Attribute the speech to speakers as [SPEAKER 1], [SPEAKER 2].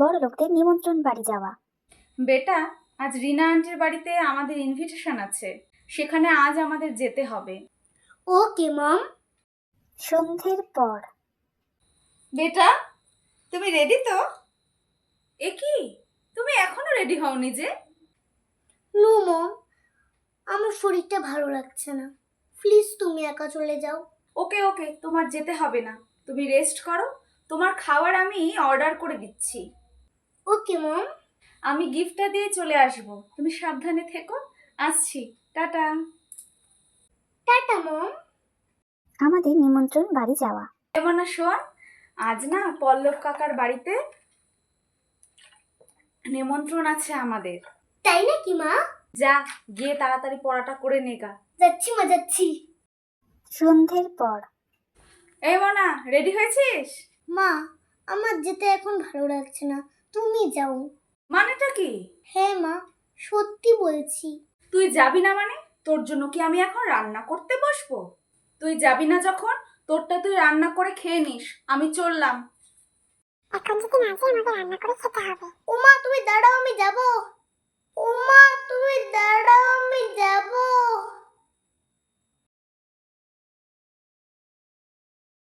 [SPEAKER 1] বড় লোকদের নিমন্ত্রণ বাড়ি যাওয়া।
[SPEAKER 2] বেটা, আজ রিনা আন্টির বাড়িতে আমাদের ইনভিটেশন আছে, সেখানে আজ আমাদের যেতে হবে।
[SPEAKER 3] ওকে মম।
[SPEAKER 1] সন্ধ্যের পর।
[SPEAKER 2] বেটা, তুমি রেডি তো? এ কি, তুমি এখনো রেডি হওনি যে?
[SPEAKER 3] নো মম, আমার শরীরটা ভালো লাগছে না, প্লিজ তুমি একা চলে যাও।
[SPEAKER 2] ওকে ওকে, তোমার যেতে হবে না, তুমি রেস্ট করো। তোমার খাবার আমি অর্ডার করে দিচ্ছি।
[SPEAKER 3] ওকে মম।
[SPEAKER 2] আমি গিফটটা দিয়ে চলে আসব, তুমি সাবধানে থেকো। আসছি, টাটা।
[SPEAKER 3] টাটা মম।
[SPEAKER 1] আমাদের নিমন্ত্রণ বাড়ি যাওয়া।
[SPEAKER 2] এমন না শোন, আজ না পল্লব কাকার বাড়িতে নিমন্ত্রণ আছে আমাদের।
[SPEAKER 3] তাই নাকি মা?
[SPEAKER 2] যা, গিয়ে তাড়াতাড়ি পড়াটা করে নেগা।
[SPEAKER 3] যাচ্ছি মা, যাচ্ছি।
[SPEAKER 1] সন্ধ্যের পর।
[SPEAKER 2] এই মনা, রেডি হয়েছিস?
[SPEAKER 3] মা, আমার যেতে এখন ভালো লাগছে না, তুমি যাও।
[SPEAKER 2] মানেটা কি?
[SPEAKER 3] হ্যাঁ মা, সত্যি বলছি।
[SPEAKER 2] তুই যাবি না মানে? তোর জন্য কি আমি এখন রান্না করতে বসবো? তুই যাবি না যখন, তোরটা তুই রান্না করে খেয়ে নিস, আমি চললাম।
[SPEAKER 1] এখন যদি না যাই আমাকে রান্না করে খেতে হবে।
[SPEAKER 3] ও মা তুমি দাঁড়াও, আমি যাব। ও মা তুমি